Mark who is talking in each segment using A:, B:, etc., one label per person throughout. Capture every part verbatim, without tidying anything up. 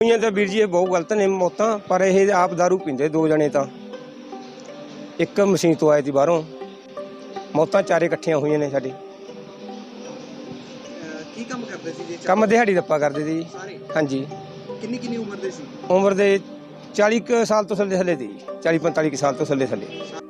A: ਤਾਂ ਵੀਰ ਜੀ ਇਹ ਬਹੁਤ ਗਲਤ ਨੇ ਮੌਤਾਂ, ਪਰ ਇਹ ਆਪ ਦਾਰੂ ਪੀਂਦੇ ਦੋ ਜਣੇ ਤਾਂ ਇੱਕ ਮਸ਼ੀਨ ਤੋਂ ਆਏ ਸੀ ਬਾਹਰੋਂ। ਮੌਤਾਂ ਚਾਰੇ ਇਕੱਠੀਆਂ ਹੋਈਆਂ ਨੇ ਸਾਡੀ।
B: ਕੀ ਕੰਮ ਕਰਦੇ ਸੀ ਜੀ?
A: ਕੰਮ ਦਿਹਾੜੀ ਦੱਪਾ ਕਰਦੇ ਸੀ ਜੀ।
B: ਸਾਰੇ?
A: ਹਾਂਜੀ।
B: ਕਿੰਨੀ ਕਿੰਨੀ ਉਮਰ ਦੇ ਸੀ?
A: ਉਮਰ ਦੇ ਚਾਲੀ ਕੁ ਸਾਲ ਤੋਂ ਥੱਲੇ ਥੱਲੇ ਦੀ, ਚਾਲੀ ਪੰਤਾਲੀ ਕੁ ਸਾਲ ਤੋਂ ਥੱਲੇ ਥੱਲੇ।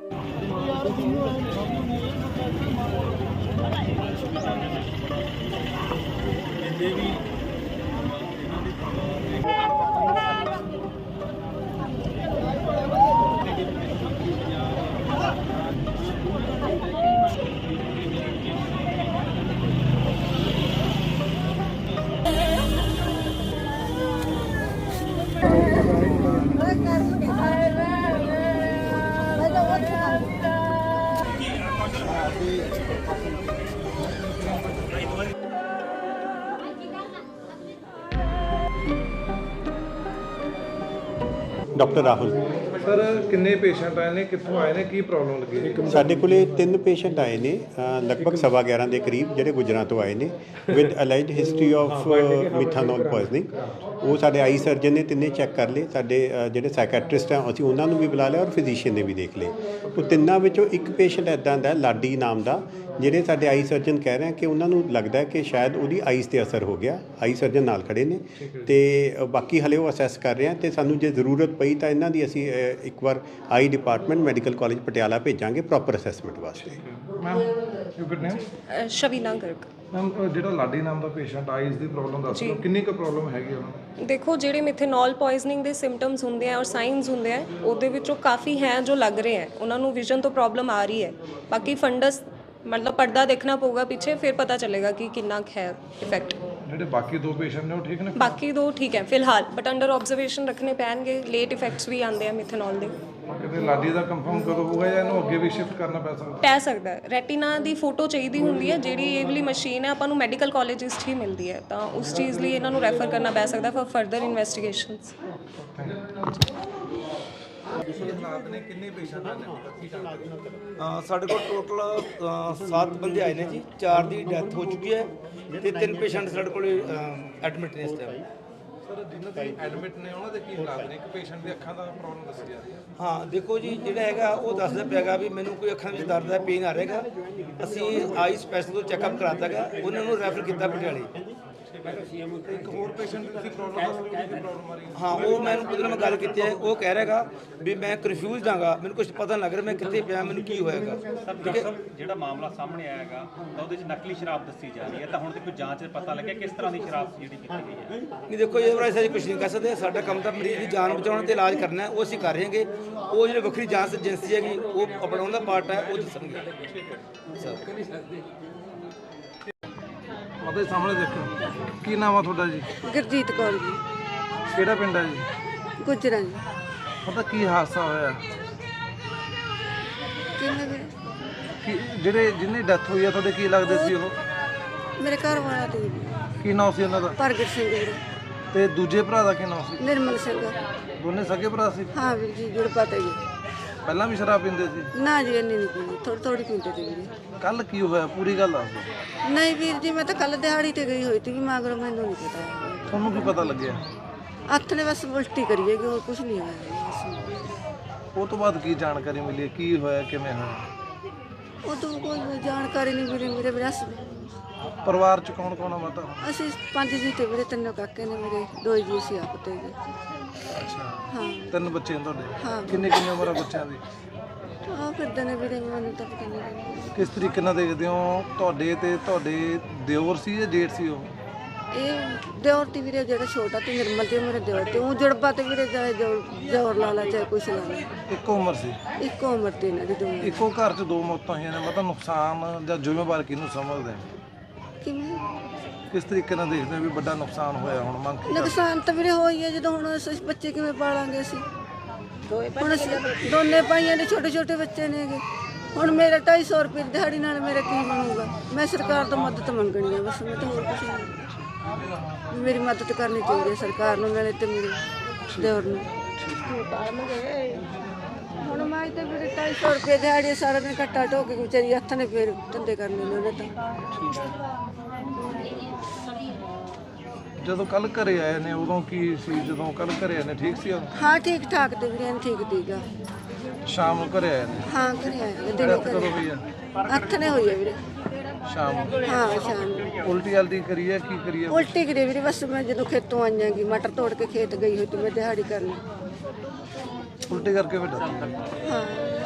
C: डॉक्टर राहुल
D: सर किन्ने पेशेंट आए ने, कित्थों आए ने, की प्रॉब्लम लगी?
C: ਸਾਡੇ ਕੋਲੇ ਤਿੰਨ ਪੇਸ਼ੈਂਟ ਆਏ ਨੇ ਅ, ਲਗਭਗ ਸਵਾ ਗਿਆਰਾਂ ਦੇ ਕਰੀਬ, ਜਿਹੜੇ ਗੁਜਰਾਂ ਤੋਂ ਆਏ ਨੇ with allied history of methanol poisoning. ਉਹ ਸਾਡੇ ਆਈ ਸਰਜਨ ਨੇ ਤਿੰਨੇ ਚੈੱਕ ਕਰ ਲਏ। ਸਾਡੇ ਅ, ਜਿਹੜੇ ਸਾਈਕੈਟਰਿਸਟ ਆ ਅਸੀਂ ਉਹਨਾਂ ਨੂੰ ਵੀ ਬੁਲਾ ਲਿਆ ਔਰ ਫਿਜ਼ੀਸ਼ੀਅਨ ਨੇ ਵੀ ਦੇਖ ਲਏ। ਉਹ ਤਿੰਨਾਂ ਵਿੱਚੋਂ ਇੱਕ ਪੇਸ਼ੈਂਟ ਇੱਦਾਂ ਦਾ ਲਾਡੀ ਨਾਮ ਦਾ, ਜਿਹੜੇ ਸਾਡੇ ਆਈ ਸਰਜਨ ਕਹਿ ਰਹੇ ਕਿ ਉਹਨਾਂ ਨੂੰ ਲੱਗਦਾ ਕਿ ਸ਼ਾਇਦ ਉਹਦੀ ਆਈਜ਼ 'ਤੇ ਅਸਰ ਹੋ ਗਿਆ। ਆਈ ਸਰਜਨ ਨਾਲ ਖੜੇ ਨੇ ਤੇ ਬਾਕੀ ਹਲੇ ਉਹ ਅਸੈਸ ਕਰ ਰਹੇ ਆ ਤੇ ਸਾਨੂੰ ਜੇ ਜ਼ਰੂਰਤ ਪਈ ਤਾਂ ਇਹਨਾਂ ਦੀ ਅਸੀਂ ਅ, ਇੱਕ ਵਾਰ eye department medical college Patiala ਭੇਜਾਂਗੇ ਪ੍ਰੋਪਰ ਅਸੈਸਮੈਂਟ ਵਾਸਤੇ।
D: Ma'am you good name?
E: Shavina Garg.
D: Ma'am ਜਿਹੜਾ ਲਾਡੀ ਨਾਮ ਦਾ ਪੇਸ਼ੈਂਟ ਆਈਜ਼ ਦੀ ਪ੍ਰੋਬਲਮ ਦੱਸ ਦਿਓ, ਕਿੰਨੀ ਕੁ ਪ੍ਰੋਬਲਮ ਹੈਗੀ ਉਹਨਾਂ ਨੂੰ?
E: ਦੇਖੋ, ਜਿਹੜੇ ਮਿਥੇਨੋਲ ਪੋਇਜ਼ਨਿੰਗ ਦੇ ਸਿੰਪਟਮਸ ਹੁੰਦੇ ਆ ਔਰ ਸਾਈਨਸ ਹੁੰਦੇ ਆ, ਉਹਦੇ ਵਿੱਚੋਂ ਕਾਫੀ ਹੈ ਜੋ ਲੱਗ ਰਹੇ ਹੈ ਉਹਨਾਂ ਨੂੰ ਵਿਜ਼ਨ ਤੋਂ ਪ੍ਰੋਬਲਮ ਆ ਰਹੀ ਹੈ। ਬਾਕੀ ਫੰਡਸ मतलब पर्दा देखना पड़ेगा पीछे, फिर पता चलेगा कि कितना है इफेक्ट।
D: ਜਿਹੜੇ ਬਾਕੀ ਦੋ ਪੇਸ਼ੈਂਟ ਨੇ ਉਹ ਠੀਕ ਨੇ?
E: बाकी दो ठीक है फिलहाल, बट अंडर ऑब्जर्वेशन रखने पैणगे। लेट इफेक्ट्स भी आते हैं मिथेनॉल ਦੇ।
D: ਕਿਤੇ ਲਾਡੀ ਦਾ ਕੰਫਰਮ ਕਦੋਂ ਹੋਊਗਾ ਜਾਂ ਇਹਨੂੰ ਅੱਗੇ ਵੀ ਸ਼ਿਫਟ ਕਰਨਾ ਪੈ ਸਕਦਾ?
E: ਪੈ ਸਕਦਾ ਹੈ। ਰੈਟੀਨਾ ਦੀ ਫੋਟੋ ਚਾਹੀਦੀ ਹੁੰਦੀ ਹੈ, ਜਿਹੜੀ ਇਹ ਵਾਲੀ ਮਸ਼ੀਨ ਹੈ ਆਪਾਂ ਨੂੰ ਮੈਡੀਕਲ ਕਾਲਜਿਸ 'ਚ ਹੀ ਮਿਲਦੀ ਹੈ, ਤਾਂ ਉਸ ਚੀਜ਼ ਲਈ ਇਹਨਾਂ ਨੂੰ ਰੈਫਰ ਕਰਨਾ ਪੈ ਸਕਦਾ ਫॉर ਫਰਦਰ ਇਨਵੈਸਟੀਗੇਸ਼ਨਸ।
D: ਹਾਲਾਤ ਨੇ ਕਿੰਨੇ ਪੇਸ਼ੈਂਟ ਆਏ ਨੇ?
F: ਸਾਡੇ ਕੋਲ ਟੋਟਲ ਸੱਤ ਬੰਦੇ ਆਏ ਨੇ ਜੀ। ਚਾਰ ਦੀ ਡੈਥ ਹੋ ਚੁੱਕੀ ਹੈ ਤੇ ਤਿੰਨ ਪੇਸ਼ੈਂਟ ਸਾਡੇ ਕੋਲ ਐਡਮਿਟ ਨੇ ਇਸ ਟਾਈਮ।
D: ਸਰ ਜਿਨ੍ਹਾਂ ਦੇ ਐਡਮਿਟ ਨੇ ਉਹਨਾਂ ਦੇ ਕੀ ਹਾਲਾਤ ਨੇ? ਇੱਕ ਪੇਸ਼ੈਂਟ ਦੀ ਅੱਖਾਂ ਦਾ ਪ੍ਰੋਬਲਮ ਦੱਸੀ ਜਾ ਰਹੀ ਹੈ।
F: ਹਾਂ ਦੇਖੋ ਜੀ, ਜਿਹੜਾ ਹੈਗਾ ਉਹ ਦੱਸਦਾ ਪਿਆਗਾ ਵੀ ਮੈਨੂੰ ਕੋਈ ਅੱਖਾਂ ਵਿੱਚ ਦਰਦ ਹੈ, ਪੇਨ ਆ ਰਿਹਾਗਾ। ਅਸੀਂ ਆਈ ਸਪੈਸ਼ਲ ਤੋਂ ਚੈੱਕਅਪ ਕਰਾਤਾ ਗਾ, ਉਹਨਾਂ ਨੂੰ ਰੈਫਰ ਕੀਤਾ ਪਟਿਆਲੇ।
D: ਇੱਕ ਹੋਰ ਪੇਸ਼ੈਂਟ ਦੀ ਤੁਸੀਂ ਪ੍ਰੋਬਲਮ ਦੱਸ ਰਹੇ ਹੋ, ਕੀ ਪ੍ਰੋਬਲਮ ਆ ਰਹੀ ਹੈ?
F: ਹਾਂ, ਉਹ ਮੈਨੂੰ ਉਹਦੇ ਨਾਲ ਮੈਂ ਗੱਲ ਕੀਤੀ ਹੈ। ਉਹ ਕਹਿ ਰਿਹਾਗਾ ਵੀ ਮੈਂ ਕਨਫਿਊਜ਼ਡ ਹਾਂਗਾ, ਮੈਨੂੰ ਕੁਝ ਪਤਾ ਨਹੀਂ ਲੱਗ ਰਿਹਾ ਮੈਂ ਕਿੱਥੇ ਪਿਆ, ਮੈਨੂੰ ਕੀ ਹੋਏਗਾ।
G: ਠੀਕ ਹੈ, ਜਿਹੜਾ ਮਾਮਲਾ ਸਾਹਮਣੇ ਆਇਆ ਹੈਗਾ ਤਾਂ ਉਹਦੇ 'ਚ ਨਕਲੀ ਸ਼ਰਾਬ ਦੱਸੀ ਜਾ ਰਹੀ ਹੈ, ਤਾਂ ਹੁਣ ਤੱਕ ਕੋਈ ਜਾਂਚ 'ਚ ਪਤਾ ਲੱਗਿਆ ਕਿਸ ਤਰ੍ਹਾਂ ਦੀ ਸ਼ਰਾਬ ਜਿਹੜੀ ਕੀਤੀ ਗਈ ਹੈ?
F: ਨਹੀਂ ਦੇਖੋ, ਇਹ ਬਾਰੇ ਅਸੀਂ ਕੁਝ ਨਹੀਂ ਕਹਿ ਸਕਦੇ। ਸਾਡਾ ਕੰਮ ਤਾਂ ਮਰੀਜ਼ ਦੀ ਜਾਨ ਬਚਾਉਣ ਤੇ ਇਲਾਜ ਕਰਨਾ ਹੈ, ਉਹ ਅਸੀਂ ਕਰ ਰਹੇ ਹਾਂਗੇ। ਉਹ ਜਿਹੜੇ ਵੱਖਰੀ ਜਾਂਚ ਏਜੰਸੀ ਹੈਗੀ ਉਹ ਆਪਣਾ ਉਹਦਾ ਪਾਰਟ ਹੈ, ਉਹ ਦੱਸਣਗੇ।
D: ਉਹਦੇ ਸਾਹਮਣੇ ਦੇਖੋ, ਕੀ ਨਾਮ ਆ ਤੁਹਾਡਾ ਜੀ?
H: ਗੁਰਜੀਤ ਕੌਰ ਜੀ।
D: ਕਿਹੜਾ ਪਿੰਡ ਹੈ ਜੀ?
H: ਗੁਜਰਾਂ ਜੀ।
D: ਪਤਾ ਕੀ ਹਾਦਸਾ ਹੋਇਆ?
H: ਕਿਵੇਂ ਵੀਰੇ?
D: ਕੀ ਜਿਹੜੇ ਜਿਹਨੇ ਡੈਥ ਹੋਈ ਆ ਤੁਹਾਡੇ ਕੀ ਲੱਗਦੇ ਸੀ ਉਹ?
H: ਮੇਰੇ ਘਰ ਵਾਲਾ ਤੇ
D: ਕੀ ਨਾਮ ਸੀ ਉਹਨਾਂ ਦਾ?
H: ਪ੍ਰਗਟ ਸਿੰਘ ਵੀਰੇ।
D: ਤੇ ਦੂਜੇ ਭਰਾ ਦਾ ਕੀ ਨਾਮ ਸੀ?
H: ਨਿਰਮਲ ਸਿੰਘ।
D: ਦੋਨੇ ਸਕੇ ਭਰਾ ਸੀ?
H: ਹਾਂ ਵੀਰ ਜੀ, ਜੁੜ ਪਤਾ ਜੀ।
D: ਪਹਿਲਾਂ ਵੀ ਸ਼ਰਾਬ ਪੀਂਦੇ ਸੀ?
H: ਨਾ ਜੀ, ਇੰਨੀ ਨਹੀਂ ਪੀਂਦੀ, ਥੋੜੀ ਥੋੜੀ ਪੀਂਦੇ ਤੇ ਵੀਰੇ।
D: ਕੱਲ ਕੀ ਹੋਇਆ ਪੂਰੀ ਗੱਲ ਦੱਸ ਦਿਓ।
H: ਨਹੀਂ ਵੀਰ ਜੀ, ਮੈਂ ਤਾਂ ਕੱਲ ਦਿਹਾੜੀ ਤੇ ਗਈ ਹੋਈ ਸੀ, ਮਗਰੋਂ ਮੈਨੂੰ ਨਹੀਂ ਪਤਾ।
D: ਤੁਹਾਨੂੰ ਕੀ ਪਤਾ ਲੱਗਿਆ?
H: ਹੱਥ ਨੇ ਬਸ ਉਲਟੀ ਕਰੀਏ ਕਿ ਹੋਰ ਕੁਝ ਨਹੀਂ ਹੋਇਆ।
D: ਉਹ ਤੋਂ ਬਾਅਦ ਕੀ ਜਾਣਕਾਰੀ ਮਿਲੀ? ਕੀ ਹੋਇਆ, ਕਿਵੇਂ ਹੋਇਆ?
H: ਉਹ ਤੋਂ ਕੋਈ ਜਾਣਕਾਰੀ ਨਹੀਂ ਵੀਰੇ। ਮੇਰੇ ਵਿਰਾਸ
D: ਪਰਿਵਾਰ ਚ ਕੌਣ ਕੌਣ ਆ ਮਾਤਾ?
H: ਅਸੀਂ ਪੰਜ ਜੀ ਤੇ ਵੀਰੇ, ਤਿੰਨ ਕਾਕੇ ਨੇ ਮੇਰੇ, ਦੋ ਜੀ ਅਸੀਂ ਆਪ ਤੇ ਜੀ।
D: ਅੱਛਾ,
H: ਹਾਂ
D: ਤਿੰਨ ਬੱਚੇ ਨੇ ਤੁਹਾਡੇ?
H: ਹਾਂ।
D: ਕਿੰਨੇ ਕਿੰਨੀ ਉਮਰ ਆ ਬੱਚਿਆਂ ਦੀ?
H: ਆ ਫਿਰਦੇ ਨੇ ਵੀਰੇ, ਮੈਨੂੰ ਤਾਂ ਪਤਾ ਨਹੀਂ।
D: ਕਿਸ ਤਰੀਕੇ ਨਾਲ ਦੇਖਦੇ ਹੋ? ਤੁਹਾਡੇ ਤੇ ਤੁਹਾਡੇ ਦਿਓਰ ਸੀ ਜਾਂ ਜੇਠ ਸੀ ਉਹ?
H: ਇਹ ਦਿਓਰ ਤੇ ਵੀਰੇ ਜਿਹੜਾ ਛੋਟਾ ਤੇ ਨਿਰਮਲ ਤੇ ਮੇਰੇ ਦਿਓਰ ਤੇ ਉਹ ਜੜਬਾ ਤੇ ਵੀਰੇ ਚਾਹੇ ਜੋਰ ਲਾ ਲਾ ਚਾਹੇ ਕੁਛ ਲਾ ਲਾ,
D: ਇੱਕੋ ਉਮਰ ਸੀ?
H: ਇੱਕੋ ਉਮਰ ਤੇ ਇਹਨਾਂ ਦੀ ਦੋਵੇਂ।
D: ਇੱਕੋ ਘਰ 'ਚ ਦੋ ਮੌਤਾਂ ਹੋਈਆਂ ਨੇ, ਮਤਲਬ ਨੁਕਸਾਨ ਜਾਂ ਜ਼ਿੰਮੇਵਾਰ ਕਿਹਨੂੰ ਸਮਝਦੇ?
H: ਕਿਵੇਂ
D: ਕਿਸ ਤਰੀਕੇ ਨਾਲ ਦੇਖਦੇ ਹੋ ਵੀ ਵੱਡਾ ਨੁਕਸਾਨ ਹੋਇਆ? ਹੁਣ ਮੰਗ ਕੀ?
H: ਨੁਕਸਾਨ ਤਾਂ ਵੀਰੇ ਹੋਈ ਹੈ, ਜਦੋਂ ਹੁਣ ਅਸੀਂ ਬੱਚੇ ਕਿਵੇਂ ਪਾਲਾਂਗੇ ਅਸੀਂ? ਹੁਣ ਅਸੀਂ ਦੋਨੇ ਭਾਈਆਂ ਦੇ ਛੋਟੇ ਛੋਟੇ ਬੱਚੇ ਨੇਗੇ। ਹੁਣ ਮੇਰਾ ਢਾਈ ਸੌ ਰੁਪਏ ਦਿਹਾੜੀ ਨਾਲ ਮੇਰਾ ਕੀ ਬਣੂਗਾ? ਮੈਂ ਸਰਕਾਰ ਤੋਂ ਮਦਦ ਮੰਗਣੀ ਹੈ ਬਸ, ਮੈਂ ਤਾਂ ਹੋਰ ਕੁਛ ਨਹੀਂ। ਮੇਰੀ ਮਦਦ ਕਰਨੀ ਚਾਹੀਦੀ ਹੈ ਸਰਕਾਰ ਨੂੰ, ਨਾਲੇ ਤੇ ਮੇਰੇ ਦਿਓਰ ਨੂੰ। ਹੁਣ ਮੈਂ ਤੇ ਮੇਰੇ ਢਾਈ ਸੌ ਰੁਪਏ ਦਿਹਾੜੀ ਸਾਰਾ ਦਿਨ ਕੱਟਾ ਢੋ ਕੇ ਵਿਚਾਰੀ ਹੱਥ ਨੇ ਫੇਰ ਧੰਦੇ ਕਰਨੇ ਨੇ ਉਹਨੇ ਤਾਂ।
D: ਜਦੋਂ ਕੱਲ ਘਰੇ ਆਏ ਨੇ ਉਦੋਂ ਕੀ ਸੀ? ਜਦੋਂ ਕੱਲ ਘਰੇ ਆਏ ਨੇ ਠੀਕ ਸੀ ਉਹ?
H: ਹਾਂ ਠੀਕ ਠਾਕ ਤੇ ਵੀਰੇ ਠੀਕ ਠੀਕਾ
D: ਸ਼ਾਮ ਨੂੰ ਘਰੇ ਆਏ ਨੇ?
H: ਹਾਂ ਘਰੇ ਆਏ ਦਿਨੇ
D: ਰਾਤ
H: ਘਰੇ
D: ਕਦੋਂ ਹੋਈ ਆ?
H: ਹੱਥ ਨੇ ਹੋਈ ਹੈ ਵੀਰੇ
D: ਸ਼ਾਮ ਨੂੰ?
H: ਹਾਂ ਸ਼ਾਮ ਨੂੰ
D: ਉਲਟੀ ਹਲਦੀ ਕਰੀ ਹੈ ਕੀ ਕਰੀ ਹੈ?
H: ਉਲਟੀ ਕਰੀ ਵੀਰੇ ਬਸ ਮੈਂ ਜਦੋਂ ਖੇਤੋਂ ਆਈਆਂਗੀ ਮਟਰ ਤੋੜ ਕੇ ਖੇਤ ਗਈ ਹੋਈ ਤੇ ਮੈਂ ਦਿਹਾੜੀ ਕਰਨ
D: ਉਲਟੀ ਕਰਕੇ ਫਿਰ ਡਰ
H: ਹਾਂ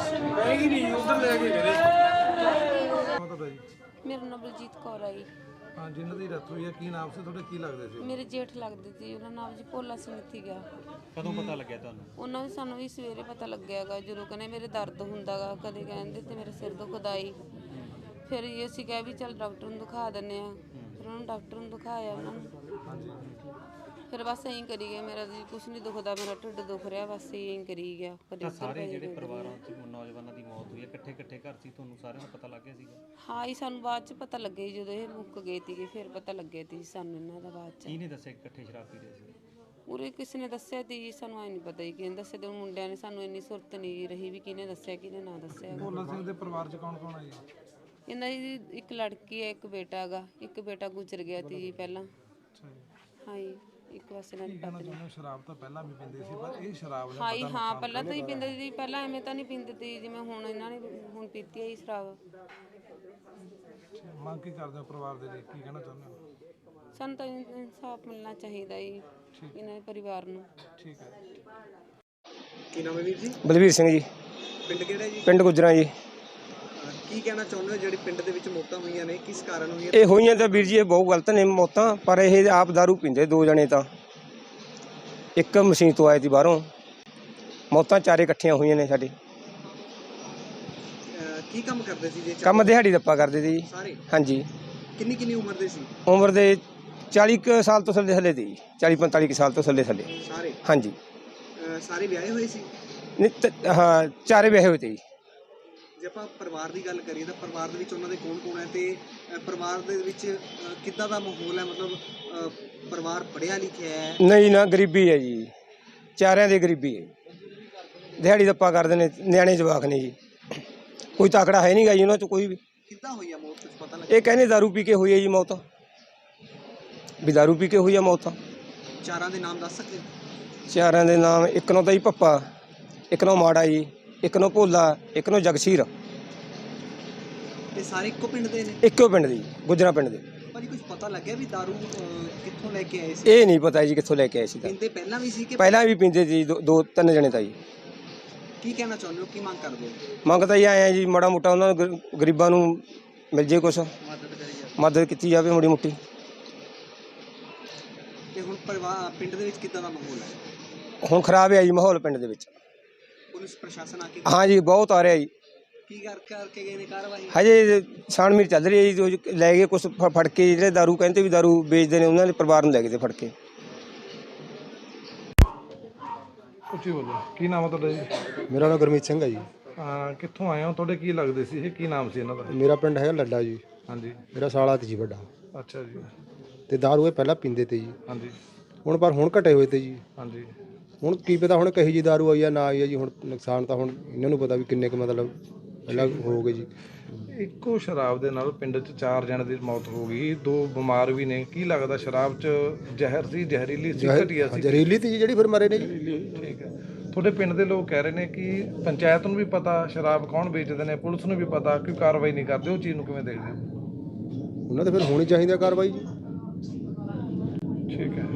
I: ਮੇਰਾ ਨਾਮ ਬਲਜੀਤ ਕੌਰ ਆ ਜੀ।
D: ਹਾਂ, ਜਿਨ੍ਹਾਂ ਦੀ ਡੈਥ ਹੋਈ ਹੈ ਕੀ ਨਾਮ ਸੀ ਤੁਹਾਡੇ, ਕੀ ਲੱਗਦੇ ਸੀ?
I: ਮੇਰੇ ਜੇਠ ਲੱਗਦੇ ਸੀ, ਉਹਨਾਂ ਨਾਮ ਜੀ ਭੋਲਾ ਸਿੰਘ ਸੀਗਾ।
G: ਕਦੋਂ ਪਤਾ ਲੱਗਿਆ ਤੁਹਾਨੂੰ?
I: ਉਹਨਾਂ ਨੂੰ ਸਾਨੂੰ ਵੀ ਸਵੇਰੇ ਪਤਾ ਲੱਗਿਆਗਾ ਜਦੋਂ ਕਹਿੰਦੇ ਮੇਰੇ ਦਰਦ ਹੁੰਦਾਗਾ, ਕਦੇ ਕਹਿੰਦੇ ਤੇ ਮੇਰੇ ਸਿਰ ਦੁਖਦਾ ਈ। ਫਿਰ ਇਹ ਅਸੀਂ ਕਿਹਾ ਵੀ ਚੱਲ ਡਾਕਟਰ ਨੂੰ ਦਿਖਾ ਦਿੰਦੇ ਆ। ਫਿਰ ਉਹਨਾਂ ਨੂੰ ਡਾਕਟਰ ਨੂੰ ਦਿਖਾਇਆ ਉਹਨਾਂ ਨੂੰ। ਫਿਰ ਬਸ ਐਂ ਕਰੀ ਗਏ, ਮੇਰਾ ਜੀ ਕੁਛ ਨਹੀਂ ਦੁਖਦਾ, ਮੇਰਾ ਢਿੱਡ ਦੁਖ ਰਿਹਾ, ਬਸ ਐਂ ਕਰੀ ਗਿਆ। ਕਦੇ
G: ਸਾਰੇ ਜਿਹੜੇ ਪਰਿਵਾਰਾਂ 'ਚ ਨੌਜਵਾਨਾਂ ਦੀ ਮੌਤ ਹੋਈ ਹੈ ਇਕੱਠੇ ਇਕੱਠੇ ਘਰ ਸੀ, ਤੁਹਾਨੂੰ ਸਾਰਿਆਂ ਨੂੰ ਪਤਾ ਲੱਗ ਗਿਆ ਸੀਗਾ?
I: ਹਾਂ ਇਹ ਸਾਨੂੰ ਬਾਅਦ ਚ ਪਤਾ ਲੱਗਿਆ ਜਦੋਂ ਇਹ ਮੁੱਕ ਗਏ ਸੀਗੇ, ਫਿਰ ਪਤਾ ਲੱਗਿਆ ਸੀ ਸਾਨੂੰ ਇਹਨਾਂ ਦਾ ਬਾਅਦ ਚ।
G: ਕਿਹਨੇ ਦੱਸਿਆ ਇਕੱਠੇ ਸ਼ਰਾਬ ਪੀ ਰਹੇ ਸੀ?
I: ਉਰੇ ਕਿਸੇ ਨੇ ਦੱਸਿਆ ਤੀ ਜੀ, ਸਾਨੂੰ ਐ ਨਹੀਂ ਪਤਾ ਜੀ ਕਿਹਨੇ ਦੱਸਿਆ ਤੇ ਮੁੰਡਿਆਂ ਨੇ ਸਾਨੂੰ ਇੰਨੀ ਸੁਰਤ ਨਹੀਂ ਰਹੀ ਵੀ ਕਿਹਨੇ ਦੱਸਿਆ ਕਿਹਨੇ ਨਾ ਦੱਸਿਆ।
D: ਭੋਲਾ ਸਿੰਘ ਦੇ ਪਰਿਵਾਰ 'ਚ ਕੌਣ ਕੌਣ ਹੈ ਜੀ?
I: ਇਹਨਾਂ ਦੀ ਇੱਕ ਲੜਕੀ ਹੈ, ਇੱਕ ਬੇਟਾ ਹੈਗਾ, ਇੱਕ ਬੇਟਾ ਗੁਜ਼ਰ ਗਿਆ ਸੀ ਜੀ ਪਹਿਲਾਂ। ਹਾਂ ਜੀ, ਇੱਕ ਪਾਸੇ ਨਾਲ ਪਤਨੀ।
D: ਸ਼ਰਾਬ ਤਾਂ ਪਹਿਲਾਂ ਵੀ ਪੀਂਦੇ ਸੀ ਪਰ ਇਹ ਸ਼ਰਾਬ ਨੇ
I: ਹਾਂ ਜੀ, ਹਾਂ ਪਹਿਲਾਂ ਤਾਂ ਹੀ ਪੀਂਦੇ ਸੀ, ਪਹਿਲਾਂ ਐਵੇਂ ਤਾਂ ਨਹੀਂ ਪੀਂਦੇ ਸੀ ਜਿਵੇਂ ਹੁਣ ਇਹਨਾਂ ਨੇ ਹੁਣ ਪੀਤੀ ਹੈ ਜੀ ਸ਼ਰਾਬ।
D: ਮੰਗ ਕੀ ਕਰਦੇ ਹੋ ਪਰਿਵਾਰ ਦੇ ਲਈ, ਕੀ ਕਹਿਣਾ ਚਾਹੁੰਦੇ ਹੋ?
I: ਸਾਨੂੰ ਤਾਂ ਇਨਸਾਫ ਮਿਲਣਾ ਚਾਹੀਦਾ ਜੀ ਇਹਨਾਂ ਦੇ ਪਰਿਵਾਰ ਨੂੰ।
D: ਠੀਕ ਹੈ।
B: ਕੀ ਨਾਮ ਹੈ ਵੀਰ ਜੀ?
A: ਬਲਵੀਰ ਸਿੰਘ ਜੀ,
B: ਪਿੰਡ ਕਿਹੜਾ ਜੀ?
A: ਪਿੰਡ ਗੁੱਜਰਾਂ ਜੀ।
B: ਅਹ ਕੀ ਕਹਿਣਾ ਚਾਹੁੰਦੇ ਹੋ ਜਿਹੜੀ ਪਿੰਡ ਦੇ ਵਿੱਚ ਮੌਤਾਂ ਹੋਈਆਂ ਨੇ, ਕਿਸ ਕਾਰਨ ਹੋਈਆਂ?
A: ਇਹ ਹੋਈਆਂ ਤਾਂ ਵੀਰ ਜੀ ਇਹ ਬਹੁਤ ਗਲਤ ਨੇ ਮੌਤਾਂ, ਪਰ ਇਹ ਆਪ ਦਾਰੂ ਪੀਂਦੇ ਦੋ ਜਣੇ ਤਾਂ। ਇੱਕ ਮਸ਼ੀਨ ਤੋਂ ਆਏ ਸੀ ਬਾਹਰੋਂ, ਮੌਤਾਂ ਚਾਰੇ ਇਕੱਠੀਆਂ ਹੋਈਆਂ ਨੇ ਸਾਡੇ।
B: ਅਹ ਕੀ ਕੰਮ ਕਰਦੇ ਸੀ ਜੀ?
A: ਕੰਮ ਦਿਹਾੜੀ ਦੱਪਾ ਕਰਦੇ ਸੀ ਜੀ।
B: ਸਾਰੇ?
A: ਹਾਂਜੀ।
B: ਕਿੰਨੀ ਕਿੰਨੀ ਉਮਰ ਦੇ ਸੀ
A: ਉਮਰ ਦੇ ਚਾਲੀ ਕੁ ਸਾਲ ਤੋਂ ਥੱਲੇ ਥੱਲੇ ਦੀ, ਚਾਲੀ ਪੰਤਾਲੀ ਕੁ ਸਾਲ ਤੋਂ ਥੱਲੇ ਥੱਲੇ।
B: ਸਾਰੇ?
A: ਹਾਂਜੀ।
B: ਅਹ ਸਾਰੇ ਵਿਆਹੇ ਹੋਏ ਸੀ?
A: ਨਹੀਂ ਤ- ਹਾਂ, ਚਾਰੇ ਵਿਆਹੇ ਹੋਏ ਤੇ ਜੀ।
B: ਜੇ ਆਪਾਂ ਪਰਿਵਾਰ ਦੀ ਗੱਲ ਕਰੀਏ ਤਾਂ ਪਰਿਵਾਰ ਦੇ ਵਿੱਚ ਉਹਨਾਂ ਦੇ ਕੌਣ ਕੌਣ ਹੈ ਤੇ ਅਹ ਪਰਿਵਾਰ ਦੇ ਵਿੱਚ ਅਹ ਕਿੱਦਾਂ ਦਾ ਮਾਹੌਲ ਹੈ? ਮਤਲਬ ਅਹ ਪਰਿਵਾਰ ਪੜ੍ਹਿਆ ਲਿਖਿਆ ਹੈ?
A: ਨਹੀਂ ਨਾ, ਗਰੀਬੀ ਹੈ ਜੀ, ਚਾਰਿਆਂ ਦੀ ਗਰੀਬੀ ਹੈ। ਦਿਹਾੜੀ ਦੱਪਾ ਕਰਦੇ ਨੇ, ਨਿਆਣੇ ਜਵਾਕ ਨੇ ਜੀ, ਕੋਈ ਤਾਕੜਾ ਹੈ ਨਹੀਂ ਗਾ ਜੀ ਉਹਨਾਂ 'ਚ ਕੋਈ ਵੀ।
B: ਕਿੱਦਾਂ ਹੋਈ ਆ ਮੌਤ, ਕੁਝ ਪਤਾ ਲੱਗਿਆ?
A: ਇਹ ਕਹਿੰਦੇ ਦਾਰੂ ਪੀ ਕੇ ਹੋਈ ਹੈ ਜੀ ਮੌਤ, ਵੀ ਦਾਰੂ ਪੀ ਕੇ ਹੋਈ ਆ ਮੌਤ।
B: ਚਾਰਾਂ ਦੇ ਨਾਮ ਦੱਸ ਸਕਦੇ ਹੋ?
A: ਚਾਰਾਂ ਦੇ ਨਾਮ, ਇੱਕ ਨੂੰ ਤਾਂ ਜੀ ਪੱਪਾ, ਇੱਕ ਨੂੰ ਮਾੜਾ ਜੀ, ਇੱਕ ਨੂੰ ਭੋਲਾ, ਇੱਕ ਨੂੰ ਜਗਸੀਰ।
B: ਇਹ ਸਾਰੇ ਇੱਕੋ ਪਿੰਡ ਦੇ ਨੇ?
A: ਇੱਕੋ ਪਿੰਡ ਦੀ, ਗੁੱਜਰਾਂ ਪਿੰਡ ਦੇ।
B: ਭਾਜੀ ਕੁਝ ਪਤਾ ਲੱਗਿਆ ਵੀ ਦਾਰੂ ਅਹ, ਕਿੱਥੋਂ ਲੈ ਕੇ ਆਏ ਸੀ?
A: ਇਹ ਨਹੀਂ ਪਤਾ ਜੀ ਕਿੱਥੋਂ ਲੈ ਕੇ ਆਏ ਸੀ ਤਾਂ।
B: ਪੀਂਦੇ ਪਹਿਲਾਂ ਵੀ ਸੀ ਕਿ
A: ਪਹਿਲਾਂ ਵੀ ਪੀਂਦੇ ਸੀ, ਦੋ ਦੋ ਤਿੰਨ ਜਣੇ ਤਾਂ ਜੀ।
B: ਕੀ ਕਹਿਣਾ ਚਾਹੁੰਦੇ ਹੋ, ਕੀ ਮੰਗ ਕਰਦੇ ਹੋ?
A: ਮੰਗ ਤਾਂ ਇਹ ਆਏ ਆ ਜੀ, ਮਾੜਾ ਮੋਟਾ ਉਹਨਾਂ ਨੂੰ ਗਰ- ਗਰੀਬਾਂ ਨੂੰ ਮਿਲ ਜੇ ਕੁਛ,
B: ਮਦਦ ਕਰੀ ਜਾਵੇ।
A: ਮਦਦ ਕੀਤੀ ਜਾਵੇ ਮਾੜੀ ਮੋਟੀ।
B: ਤੇ ਹੁਣ ਪਰਿਵਾਰ ਪਿੰਡ ਦੇ ਵਿੱਚ ਕਿੱਦਾਂ ਦਾ ਮਾਹੌਲ ਹੈ?
A: ਹੁਣ ਖਰਾਬ ਹੈ ਜੀ ਮਾਹੌਲ ਪਿੰਡ ਦੇ ਵਿੱਚ।
B: ਪੁਲਿਸ ਪ੍ਰਸ਼ਾਸਨ ਆ ਕੇ
A: ਹਾਂ ਜੀ, ਬਹੁਤ ਆ ਰਿਹਾ ਜੀ।
B: ਕੀ ਕਰ ਕਰਕੇ ਗਏ ਨੇ ਕਾਰਵਾਈ?
A: ਹਜੇ ਛਾਣਬੀਣ ਚੱਲ ਰਹੀ ਹੈ ਜੀ, ਜੋ ਲੈ ਗਏ ਕੁਛ ਫ- ਫੜ ਕੇ, ਜਿਹੜੇ ਦਾਰੂ ਕਹਿੰਦੇ ਵੀ ਦਾਰੂ ਵੇਚਦੇ ਨੇ ਉਹਨਾਂ ਦੇ ਪਰਿਵਾਰ ਨੂੰ ਲੈ ਗਏ ਤੇ ਫੜ ਕੇ।
D: ਉੱਚੀ ਬੋਲੋ, ਕੀ ਨਾਮ ਹੈ ਤੁਹਾਡਾ ਜੀ?
J: ਮੇਰਾ ਨਾਮ ਗੁਰਮੀਤ ਸਿੰਘ ਹੈ ਜੀ।
D: ਅਹ ਕਿੱਥੋਂ ਆਏ ਹੋ, ਤੁਹਾਡੇ ਕੀ ਲੱਗਦੇ ਸੀ ਇਹ, ਕੀ ਨਾਮ ਸੀ ਇਹਨਾਂ ਦਾ?
J: ਮੇਰਾ ਪਿੰਡ ਹੈਗਾ ਲੱਡਾ ਜੀ।
D: ਹਾਂਜੀ।
J: ਮੇਰਾ ਸਾਲਾ ਤੇ ਜੀ ਵੱਡਾ,
D: ਅੱਛਾ ਜੀ।
J: ਤੇ ਦਾਰੂ ਇਹ ਪਹਿਲਾਂ ਪੀਂਦੇ ਤੇ ਜੀ,
D: ਹਾਂਜੀ
J: ਹੁਣ ਪਰ ਹੁਣ ਘਟੇ ਹੋਏ ਤੇ ਜੀ।
D: ਹਾਂਜੀ।
J: ਹੁਣ ਕੀ ਪਤਾ ਹੁਣ ਕਹੀ ਜੀ ਦਾਰੂ ਆਈ ਆ ਨਾ ਆਈ ਆ ਜੀ, ਹੁਣ ਨੁਕਸਾਨ ਤਾਂ ਹੁਣ ਇਹਨਾਂ ਨੂੰ ਪਤਾ ਵੀ ਕਿੰਨੇ ਕੁ ਮਤਲਬ ਪਹਿਲਾਂ ਹੋ ਗਏ ਜੀ।
D: ਇੱਕੋ ਸ਼ਰਾਬ ਦੇ ਨਾਲ ਪਿੰਡ 'ਚ ਚਾਰ ਜਣੇ ਦੀ ਮੌਤ ਹੋ ਗਈ, ਦੋ ਬਿਮਾਰ ਵੀ ਨੇ। ਕੀ ਲੱਗਦਾ ਸ਼ਰਾਬ 'ਚ ਜ਼ਹਿਰ ਸੀ, ਜ਼ਹਿਰੀਲੀ ਸੀ, ਘਟੀਆ ਸੀ?
J: ਜ਼ਹਿਰੀਲੀ ਤੀ ਜੀ ਜਿਹੜੀ ਫਿਰ ਮਰੇ ਨੇ ਜੀ।
D: ਠੀਕ ਹੈ। ਤੁਹਾਡੇ ਪਿੰਡ ਦੇ ਲੋਕ ਕਹਿ ਰਹੇ ਨੇ ਕਿ ਪੰਚਾਇਤ ਨੂੰ ਵੀ ਪਤਾ ਸ਼ਰਾਬ ਕੌਣ ਵੇਚਦੇ ਨੇ, ਪੁਲਿਸ ਨੂੰ ਵੀ ਪਤਾ, ਕਿਉਂ ਕਾਰਵਾਈ ਨਹੀਂ ਕਰਦੇ? ਉਹ ਚੀਜ਼ ਨੂੰ ਕਿਵੇਂ ਦੇਖਦੇ ਹੋ?
J: ਉਹਨਾਂ ਤੇ ਫਿਰ ਹੋਣੀ ਚਾਹੀਦੀ ਆ ਕਾਰਵਾਈ ਜੀ।
D: ਠੀਕ ਹੈ।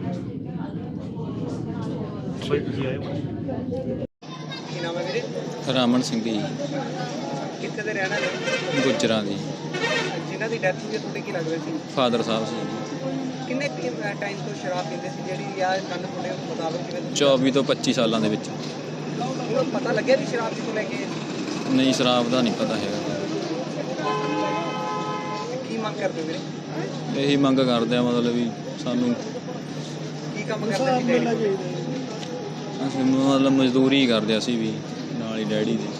B: ਕੀ ਨਾਮ ਹੈ ਵੀਰੇ?
K: ਰਾਮਨ ਸਿੰਘ ਜੀ,
B: ਕਿੱਥੇ ਦੇ ਰਹਿਣ ਵਾਲੇ?
K: ਗੁੱਜਰਾਂ ਦੀ।
B: ਜਿਨ੍ਹਾਂ ਦੀ ਡੈਥ ਹੋਈ ਹੈ ਤੁਹਾਡੇ ਕੀ ਲੱਗਦੇ ਸੀ?
K: ਫਾਦਰ ਸਾਹਿਬ ਸੀ ਜੀ।
B: ਕਿੰਨੇ ਟਾਈਮ ਤੋਂ ਸ਼ਰਾਬ ਪੀਂਦੇ ਸੀ ਜਿਹੜੀ ਆ ਕੰਨ ਤੁਹਾਡੇ ਮੁਤਾਬਕ ਜਿਵੇਂ ਤੁਸੀਂ-
K: ਚੌਵੀ ਤੋਂ ਪੱਚੀ ਸਾਲਾਂ ਦੇ ਵਿੱਚ।
B: ਹੁਣ ਪਤਾ ਲੱਗਿਆ ਵੀ ਸ਼ਰਾਬ ਕਿੱਥੋਂ ਲੈ ਕੇ ਆਏ ਸੀ?
K: ਨਹੀਂ, ਸ਼ਰਾਬ ਦਾ ਨਹੀਂ ਪਤਾ ਹੈਗਾ।
B: ਕੀ ਮੰਗ ਕਰਦੇ ਹੋ ਵੀਰੇ?
K: ਇਹੀ ਮੰਗ ਕਰਦੇ ਆ ਮਤਲਬ ਵੀ ਸਾਨੂੰ,
B: ਕੀ ਕੰਮ ਕਰਦੇ ਸੀ ਡੈਡੀ?
K: ਅਸੀਂ ਮਤਲਬ ਮਜ਼ਦੂਰੀ ਕਰਦੇ ਅਸੀਂ ਵੀ ਨਾਲ ਹੀ ਡੈਡੀ ਦੀ।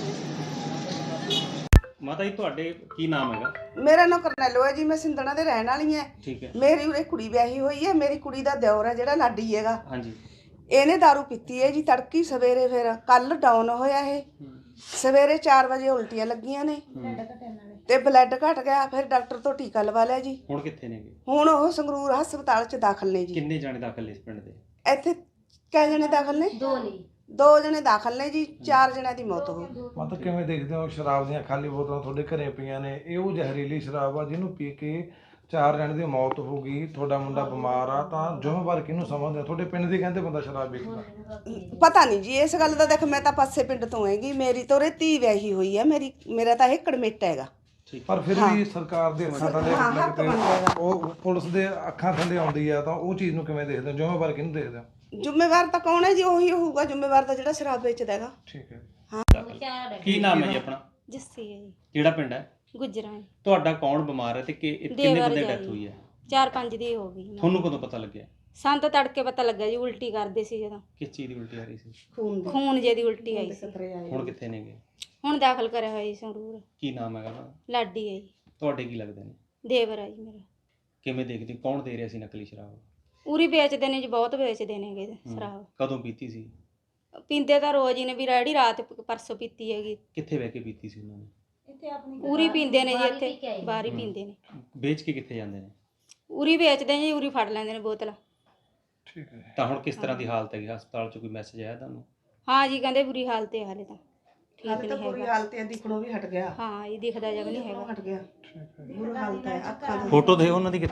G: ਮਾਤਾ ਜੀ ਤੁਹਾਡੇ ਕੀ ਨਾਮ ਹੈਗਾ?
H: ਮੇਰਾ ਨਾਮ ਕਰਨੈਲੋ ਹੈ ਜੀ, ਮੈਂ ਸਿੰਧਣਾ ਦੇ ਰਹਿਣ ਵਾਲੀ ਹਾਂ।
G: ਠੀਕ ਹੈ।
H: ਮੇਰੀ ਉਰੇ ਕੁੜੀ ਵਿਆਹੀ ਹੋਈ ਹੈ, ਮੇਰੀ ਕੁੜੀ ਦਾ ਦਿਓਰ ਹੈ ਜਿਹੜਾ ਲਾਡੀ ਹੈਗਾ।
G: ਹਾਂਜੀ।
H: ਇਹਨੇ ਦਾਰੂ ਪੀਤੀ ਹੈ ਜੀ ਤੜਕੀ ਸਵੇਰੇ, ਫਿਰ ਕੱਲ ਡਾਊਨ ਹੋਇਆ ਇਹ। ਸਵੇਰੇ ਚਾਰ ਵਜੇ ਉਲਟੀਆਂ ਲੱਗੀਆਂ ਨੇ,
L: ਤੇ ਬਲੱਡ ਘਟ ਗਿਆ, ਫਿਰ ਡਾਕਟਰ ਤੋਂ ਟੀਕਾ ਲਵਾ ਲਿਆ ਜੀ।
G: ਹੁਣ ਕਿੱਥੇ ਨੇਗੇ?
L: ਹੁਣ ਉਹ ਸੰਗਰੂਰ ਹਸਪਤਾਲ 'ਚ ਦਾਖਲ ਨੇ ਜੀ।
G: ਕਿੰਨੇ ਜਾਣੇ ਦਾਖਲ ਨੇ ਇਸ ਪਿੰਡ ਦੇ?
L: ਇੱਥੇ ਕਿੰਨੇ ਜਣੇ ਦਾਖਲ ਨੇ? ਦੋ ਨੇ। ਦੋ ਜਣੇ ਦਾਖਲ ਨੇ ਜੀ, ਚਾਰ ਜਣਿਆਂ ਦੀ ਮੌਤ ਹੋ ਗਈ।
D: ਮਤਲਬ ਕਿਵੇਂ ਦੇਖਦੇ ਹੋ ਸ਼ਰਾਬ ਦੀਆਂ ਖਾਲੀ ਬੋਤਲਾਂ ਤੁਹਾਡੇ ਘਰੇ ਪਈਆਂ ਨੇ, ਇਹ ਉਹ ਜ਼ਹਿਰੀਲੀ ਸ਼ਰਾਬ ਆ ਜਿਹਨੂੰ ਪੀ ਕੇ ਚਾਰ ਜਣੇ ਦੀ ਮੌਤ ਹੋ ਗਈ, ਤੁਹਾਡਾ ਮੁੰਡਾ ਬਿਮਾਰ ਆ, ਤਾਂ ਜ਼ਿੰਮੇਵਾਰ ਕਿਹਨੂੰ ਸਮਝਦੇ ਹੋ? ਤੁਹਾਡੇ ਪਿੰਡ ਦੇ ਕਹਿੰਦੇ ਬੰਦਾ ਸ਼ਰਾਬ ਵੇਚਦਾ।
L: ਪਤਾ ਨਹੀਂ ਜੀ ਇਸ ਗੱਲ ਦਾ, ਦੇਖ ਮੈਂ ਤਾਂ ਪਾਸੇ ਪਿੰਡ ਤੋਂ ਹੈਗੀ, ਮੇਰੀ ਤਾਂ ਉਰੇ ਧੀ ਵਿਆਹੀ ਹੋਈ ਹੈ, ਮੇਰੀ ਮੇਰਾ ਤਾਂ ਇਹ ਕੜਮੇਟ ਹੈਗਾ।
D: ਪਰ ਫਿਰ ਵੀ ਸਰਕਾਰ ਦੇ ਅੱਖਾਂ ਥੱਲੇ ਉਹ ਪੁਲਿਸ ਦੇ ਅੱਖਾਂ ਥੱਲੇ ਆਉਂਦੀ ਆ, ਤਾਂ ਉਹ ਚੀਜ਼ ਨੂੰ ਕਿਵੇਂ ਦੇਖਦੇ ਹੋ? ਜ਼ਿੰਮੇਵਾਰ ਕਿਹਨੂੰ ਦੇਖਦੇ ਹੋ?
L: ਜ਼ਿੰਮੇਵਾਰ ਤਾਂ ਕੌਣ ਹੈ ਜੀ? ਉਹੀ ਹੋਊਗਾ ਜ਼ਿੰਮੇਵਾਰ ਤਾਂ ਜਿਹੜਾ ਸ਼ਰਾਬ ਵੇਚਦਾ ਹੈਗਾ।
D: ਠੀਕ ਹੈ।
G: ਕੀ ਨਾਮ ਹੈ ਜੀ ਆਪਣਾ?
M: ਜੱਸੀ ਹੈ ਜੀ।
G: ਕਿਹੜਾ ਪਿੰਡ ਹੈ?
M: ਗੁਜਰਾਂ।
G: ਤੁਹਾਡਾ ਕੌਣ ਬਿਮਾਰ ਹੈ ਤੇ ਕਿ ਕਿੰਨੇ ਬੰਦੇ ਡੈਥ ਹੋਈ ਹੈ?
M: ਚਾਰ ਪੰਜ ਦੀ ਹੋ ਗਈ।
G: ਤੁਹਾਨੂੰ ਕਦੋਂ ਪਤਾ ਲੱਗਿਆ?
M: ਸਾਨੂੰ ਤਾਂ ਤੜਕੇ ਪਤਾ ਲੱਗਾ ਜੀ, ਉਲਟੀ ਕਰਦੇ ਸੀ ਜਦੋਂ।
G: ਕਿਸ ਚੀਜ਼ ਦੀ ਉਲਟੀ ਆ ਰਹੀ ਸੀ?
L: ਖੂਨ
M: ਖੂਨ ਜੇ ਦੀ ਉਲਟੀ ਆਈ ਸੀ।
G: ਹੁਣ ਕਿੱਥੇ ਨੇਗੇ?
M: ਹੁਣ ਦਾਖਲ ਕਰਿਆ ਹੋਇਆ ਜੀ ਸੰਗਰੂਰ।
G: ਕੀ ਨਾਮ ਹੈਗਾ ਉਹਦਾ?
M: ਲਾਡੀ ਹੈ ਜੀ।
G: ਤੁਹਾਡੇ ਕੀ ਲੱਗਦੇ ਨੇ?
M: ਦੇਵਰ ਹੈ ਜੀ ਮੇਰਾ।
G: ਕਿਵੇਂ ਦੇਖਦੇ ਹੋ? ਕੌਣ ਦੇ ਰਿਹਾ ਸੀ ਨਕਲੀ ਸ਼ਰਾਬ?
M: ਉਰੀ ਵੇਚਦੇ ਨੇ ਜੀ, ਬਹੁਤ ਵੇਚਦੇ ਨੇਗੇ ਸ਼ਰਾਬ।
G: ਕਦੋਂ ਪੀਤੀ ਸੀ?
M: ਪੀਂਦੇ ਤਾਂ ਰੋਜ਼ ਹੀ ਨੇ, ਵੀ ਰੈਡੀ ਰਾਤ ਪਰਸੋਂ ਪੀਤੀ ਹੈਗੀ।
G: ਕਿੱਥੇ ਬਹਿ ਕੇ ਪੀਤੀ ਸੀ ਉਹਨਾਂ ਨੇ?
M: ਉਰੀ ਪੀਂਦੇ ਨੇ ਜੀ, ਇੱਥੇ ਬਾਹਰ ਹੀ ਪੀਂਦੇ ਨੇ।
G: ਵੇਚ ਕੇ ਕਿੱਥੇ ਜਾਂਦੇ ਨੇ?
M: ਉਰੀ ਵੇਚਦੇ ਨੇ ਜੀ, ਉਰੀ ਫੜ ਲੈਂਦੇ ਨੇ ਬੋਤਲ।
D: ਠੀਕ ਹੈ।
G: ਤਾਂ ਹੁਣ ਕਿਸ ਤਰ੍ਹਾਂ ਦੀ ਹਾਲਤ ਹੈਗੀ? ਹਸਪਤਾਲ 'ਚ ਕੋਈ ਮੈਸੇਜ ਆਇਆ ਤੁਹਾਨੂੰ?
M: ਹਾਂ ਜੀ, ਕਹਿੰਦੇ ਬੁਰੀ ਹਾਲਤ ਹੈ ਹਾਲੇ ਤਾਂ, ਠੀਕ
L: ਹਾਲੇ ਤਾਂ
M: ਨਹੀਂ
L: ਬੁਰੀ
M: ਹੈਗਾ।
L: ਹਾਲਤ ਹੈ, ਦਿਖਣੋਂ ਵੀ ਹਟ ਗਿਆ।
M: ਹਾਂ, ਇਹ ਦਿਖਦਾ ਜਗ ਨਹੀਂ ਹੈਗਾ।
L: ਹਟ ਗਿਆ, ਬੁਰੀ ਹਾਲਤ ਹੈ ਅੱਖਾਂ ਦੀ।
G: ਫੋਟੋ ਦੇ ਉਹਨਾਂ ਦੀ।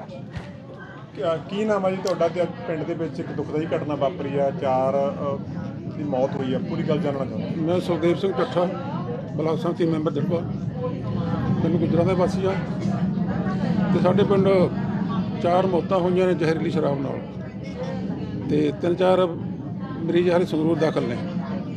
N: ਕੀ ਨਾਮ ਹੈ ਜੀ ਤੁਹਾਡਾ? ਤੇ ਪਿੰਡ ਦੇ ਵਿੱਚ ਇੱਕ ਦੁਖਦਾਈ ਘਟਨਾ ਵਾਪਰੀ ਆ, ਚਾਰ ਦੀ ਮੌਤ ਹੋਈ ਆ, ਪੂਰੀ ਗੱਲ ਜਾਣਨਾ ਚਾਹੁੰਦਾ।
O: ਮੈਂ ਸੁਖਦੇਵ ਸਿੰਘ ਚੱਠਾ, ਬਲਾਕ ਸੰਮਤੀ ਮੈਂਬਰ ਦੜਬਾ, ਪਿੰਡ ਗੁਜਰਾਂ ਦੇ ਵਾਸੀ ਆ। ਤੇ ਸਾਡੇ ਪਿੰਡ ਚਾਰ ਮੌਤਾਂ ਹੋਈਆਂ ਨੇ ਜ਼ਹਿਰੀਲੀ ਸ਼ਰਾਬ ਨਾਲ, ਤੇ ਤਿੰਨ ਚਾਰ ਮਰੀਜ਼ ਹਾਲੇ ਸੰਗਰੂਰ ਦਾਖਲ ਨੇ।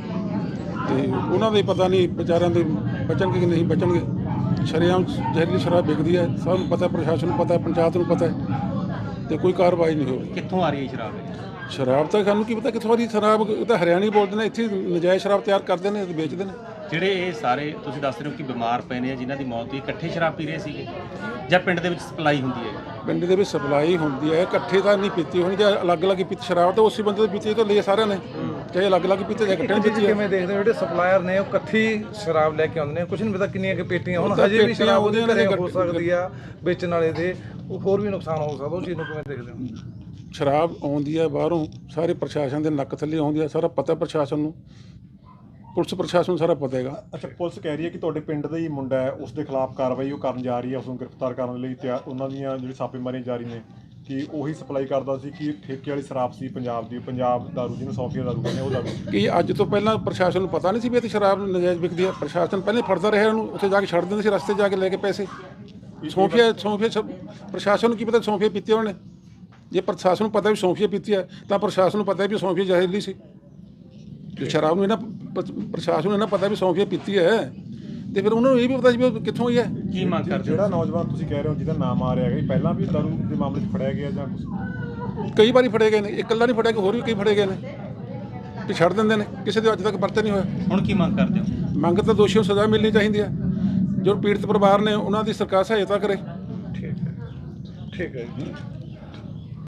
O: ਤੇ ਉਹਨਾਂ ਦੇ ਪਤਾ ਨਹੀਂ ਵਿਚਾਰਿਆਂ ਦੇ ਬਚਣਗੇ ਕਿ ਨਹੀਂ ਬਚਣਗੇ। ਸ਼ਰੇਆਮ ਜ਼ਹਿਰੀਲੀ ਸ਼ਰਾਬ ਵਿਕਦੀ ਹੈ, ਸਭ ਨੂੰ ਪਤਾ, ਪ੍ਰਸ਼ਾਸਨ ਨੂੰ ਪਤਾ, ਪੰਚਾਇਤ ਨੂੰ ਪਤਾ ਹੈ, ਤੇ ਕੋਈ ਕਾਰਵਾਈ ਨਹੀਂ ਹੋ ਰਹੀ।
G: ਕਿੱਥੋਂ ਆ ਰਹੀ ਹੈ ਸ਼ਰਾਬ?
O: ਸ਼ਰਾਬ ਤਾਂ ਸਾਨੂੰ ਕੀ ਪਤਾ ਕਿੱਥੋਂ ਆ ਰਹੀ ਸ਼ਰਾਬ, ਇਹ ਤਾਂ ਹਰਿਆਣੀ ਬੋਲਦੇ ਨੇ, ਇੱਥੇ ਨਜਾਇਜ਼ ਸ਼ਰਾਬ ਤਿਆਰ ਕਰਦੇ ਨੇ ਤੇ ਵੇਚਦੇ ਨੇ।
G: ਜਿਹੜੇ ਇਹ ਸਾਰੇ ਤੁਸੀਂ ਦੱਸ ਰਹੇ ਹੋ ਕਿ ਬਿਮਾਰ ਪਏ ਨੇ, ਜਿਨ੍ਹਾਂ ਦੀ ਮੌਤ ਹੋਈ, ਇਕੱਠੇ ਸ਼ਰਾਬ ਪੀ ਰਹੇ ਸੀਗੇ ਜਾਂ ਪਿੰਡ ਦੇ ਵਿੱਚ ਸਪਲਾਈ ਹੁੰਦੀ ਹੈ?
O: ਪਿੰਡ ਦੇ ਵਿੱਚ ਸਪਲਾਈ ਹੁੰਦੀ ਹੈ, ਇਕੱਠੇ ਤਾਂ ਨਹੀਂ ਪੀਤੀ ਹੋਣੀ। ਜਾਂ ਅਲੱਗ-ਅਲੱਗ ਪੀਤੀ ਸ਼ਰਾਬ ਤਾਂ ਉਸੇ ਬੰਦੇ ਦੀ ਪੀਤੀ ਤਾਂ ਲਈ ਸਾਰਿਆਂ ਨੇ, ਚਾਹੇ ਅਲੱਗ-ਅਲੱਗ ਪੀਤੇ ਜਾਂ ਇਕੱਠੇ ਪੀਤੀ।
D: ਕਿਵੇਂ ਦੇਖਦੇ ਹੋ ਜਿਹੜੇ ਸਪਲਾਇਰ ਨੇ ਉਹ ਇਕੱਠੀ ਸ਼ਰਾਬ ਲੈ ਕੇ ਆਉਂਦੇ ਨੇ, ਕੁਝ ਨਹੀਂ ਪਤਾ ਕਿੰਨੀਆਂ ਕਿ ਪੇਟੀਆਂ, ਹੁਣ ਹਜੇ ਵੀ ਸ਼ਰਾਬ ਉਹਦੇ ਘਰੇ ਹੋ ਸਕਦੀ ਆ, ਵੇਚਣ ਵਾਲੇ ਦੇ ਉਹ ਹੋਰ ਵੀ ਨੁਕਸਾਨ ਹੋ ਸਕਦਾ, ਉਹ ਚੀਜ਼ ਨੂੰ ਕਿਵੇਂ ਦੇਖਦੇ ਹੋ?
O: ਸ਼ਰਾਬ ਆਉਂਦੀ ਹੈ ਬਾਹਰੋਂ, ਸਾਰੇ ਪ੍ਰਸ਼ਾਸਨ ਦੇ ਨੱਕ ਥੱਲੇ ਆਉਂਦੀ ਹੈ, ਸਾਰਾ ਪਤਾ ਪ੍ਰਸ਼ਾਸਨ ਨੂੰ, ਪੁਲਿਸ ਪ੍ਰਸ਼ਾਸਨ ਨੂੰ ਸਾਰਾ ਪਤਾ ਹੈਗਾ।
N: ਅੱਛਾ, ਪੁਲਿਸ ਕਹਿ ਰਹੀ ਹੈ ਕਿ ਤੁਹਾਡੇ ਪਿੰਡ ਦਾ ਹੀ ਮੁੰਡਾ ਹੈ, ਉਸ ਦੇ ਖਿਲਾਫ ਕਾਰਵਾਈ ਉਹ ਕਰਨ ਜਾ ਰਹੀ ਹੈ, ਉਸ ਨੂੰ ਗ੍ਰਿਫਤਾਰ ਕਰਨ ਲਈ ਤਿਆਰ, ਉਹਨਾਂ ਦੀਆਂ ਜਿਹੜੀ ਛਾਪੇਮਾਰੀਆਂ ਜਾਰੀ ਨੇ, ਕਿ ਉਹੀ ਸਪਲਾਈ ਕਰਦਾ ਸੀ, ਕਿ ਠੇਕੇ ਵਾਲੀ ਸ਼ਰਾਬ ਸੀ ਪੰਜਾਬ ਦੀ, ਪੰਜਾਬ ਦਾਰੂ ਜਿਹਨੂੰ ਸੌਫੀਆ ਦਾਰੂ ਕਹਿੰਦੇ ਉਹ ਦਾਰੂ।
O: ਕਿ ਅੱਜ ਤੋਂ ਪਹਿਲਾਂ ਪ੍ਰਸ਼ਾਸਨ ਨੂੰ ਪਤਾ ਨਹੀਂ ਸੀ ਵੀ ਇੱਥੇ ਸ਼ਰਾਬ ਨਜਾਇਜ਼ ਵਿਕਦੀ ਹੈ? ਪ੍ਰਸ਼ਾਸਨ ਪਹਿਲੇ ਫੜਦਾ ਰਿਹਾ ਉਹਨੂੰ, ਉੱਥੇ ਜਾ ਕੇ ਛੱਡ ਦਿੰਦੇ ਸੀ, ਰਸਤੇ ਜਾ ਕੇ ਲੈ ਕੇ ਪੈਸੇ। ਸੌਂਫੀਆ ਸੌਂਫੀਆ ਪ੍ਰਸ਼ਾਸਨ ਨੂੰ ਕੀ ਪਤਾ ਸੌਂਫੀਆ ਪੀਤੀ ਉਹਨੇ? ਜੇ ਪ੍ਰਸ਼ਾਸਨ ਨੂੰ ਪਤਾ ਵੀ ਸੌਂਫੀਆ ਪੀਤੀ ਹੈ ਤਾਂ ਪ੍ਰਸ਼ਾਸਨ ਨੂੰ ਪਤਾ ਵੀ ਸੌਂਫੀਆ ਜ਼ਹਿਰੀਲੀ ਸੀ। ਜੇ ਸ਼ਰਾਬ ਨੂੰ ਇਹਨਾਂ ਪ੍ਰਸ਼ਾਸਨ ਨੂੰ ਇਹਨਾਂ ਪਤਾ ਵੀ ਸੌਂਫੀਆ ਪੀਤੀ ਹੈ, ਤੇ ਫਿਰ ਉਹਨਾਂ ਨੂੰ ਇਹ ਵੀ ਪਤਾ ਸੀ ਵੀ ਉਹ ਕਿੱਥੋਂ ਹੋਈ ਹੈ।
G: ਕੀ ਮੰਗ ਕਰਦੇ?
N: ਜਿਹੜਾ ਨੌਜਵਾਨ ਤੁਸੀਂ ਕਹਿ ਰਹੇ ਹੋ ਜਿਹਦਾ ਨਾਮ ਆ ਰਿਹਾ ਹੈ, ਪਹਿਲਾਂ ਵੀ ਦਾਰੂ ਦੇ ਮਾਮਲੇ 'ਚ ਫੜਿਆ ਗਿਆ ਜਾਂ ਕੁਝ?
O: ਕਈ ਵਾਰੀ ਫੜੇ ਗਏ ਨੇ, ਇਕੱਲਾ ਨਹੀਂ ਫੜਿਆ, ਕਿ ਹੋਰ ਵੀ ਕਈ ਫੜੇ ਗਏ ਨੇ, ਤੇ ਛੱਡ ਦਿੰਦੇ ਨੇ, ਕਿਸੇ ਦੇ ਅੱਜ ਤੱਕ ਪਰਚਾ ਨਹੀਂ ਹੋਇਆ।
G: ਹੁਣ ਕੀ ਮੰਗ ਕਰਦੇ ਹੋ?
O: ਮੰਗ ਤਾਂ ਦੋਸ਼ੀਆਂ ਨੂੰ ਸਜ਼ਾ ਮਿਲਣੀ ਚਾਹੀਦੀ ਹੈ, ਜੋ ਪੀੜਤ ਪਰਿਵਾਰ ਨੇ ਉਹਨਾਂ ਦੀ ਸਰਕਾਰ ਸਹਾਇਤਾ ਕਰੇ।
D: ਠੀਕ ਹੈ, ਠੀਕ ਹੈ ਜੀ।